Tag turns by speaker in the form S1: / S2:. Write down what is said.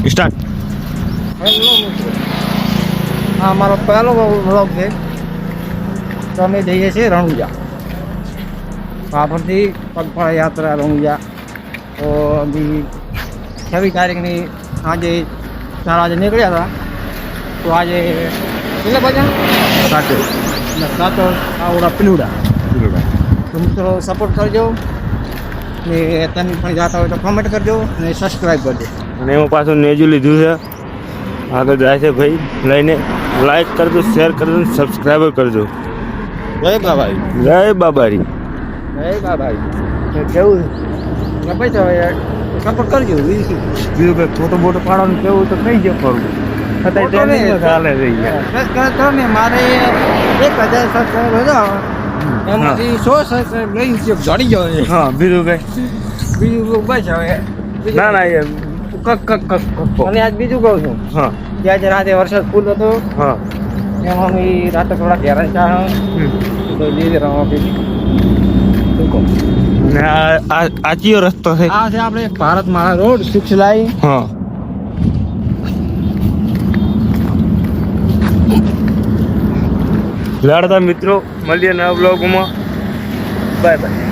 S1: Start.
S2: Hello મિત્રો, આ અમારો પહેલો વ્લોગ છે. તો અમે જઈએ છીએ રણુજા. વાપરથી પગપાળા યાત્રા રણુજા. તો બી 26 તારીખની આજે 4 વાગે નીકળ્યા હતા. તો આજે કેટલા વાગ્યા? 7 આવડા પીલુડા. તો મિત્રો સપોર્ટ કરજો ને તમે પણ જાતા હોય તો કોમેન્ટ કરજો ને સબસ્ક્રાઈબ કરજો.
S1: અને એમાં પાછું નેજું લીધું છે, આગળ જાય છે ભાઈ લઈને. લાઈક કરજો, શેર કરજો, સબસ્ક્રાઈબર કરજો.
S2: જય બાબાઈ.
S1: જય બાબારી.
S2: જય બાબાઈ. કેવું ભાઈ તો સપોર્ટ કરજો.
S1: બીજું કંઈ ફોટો બોટો પાડવાનું કેવું તો કઈ જ ફરવું અત્યારે ચાલે રહી ગયા.
S2: ને મારે 1000 સબસ્ક્રાઈબર હતા એમાંથી 100 સબસ્ક્રાઈબ લઈ જડી ગયો છે.
S1: હા, બીજું કઈ
S2: બીજું બસ હવે
S1: ના ના યાર
S2: અને આજ બીજું કહું છું
S1: હા
S2: કે આજે રાતે વરસાદ ફૂલ હતો.
S1: હા
S2: એમાં અમે રાતે થોડા હેરાન થયા તો લીધે રમવા પીધી.
S1: ને આ કયો રસ્તો છે?
S2: આ છે આપણે ભારત માળા રોડ સુખલાઈ.
S1: હા લાડતા મિત્રો, મળીએ નવા બ્લોગમાં. Bye by.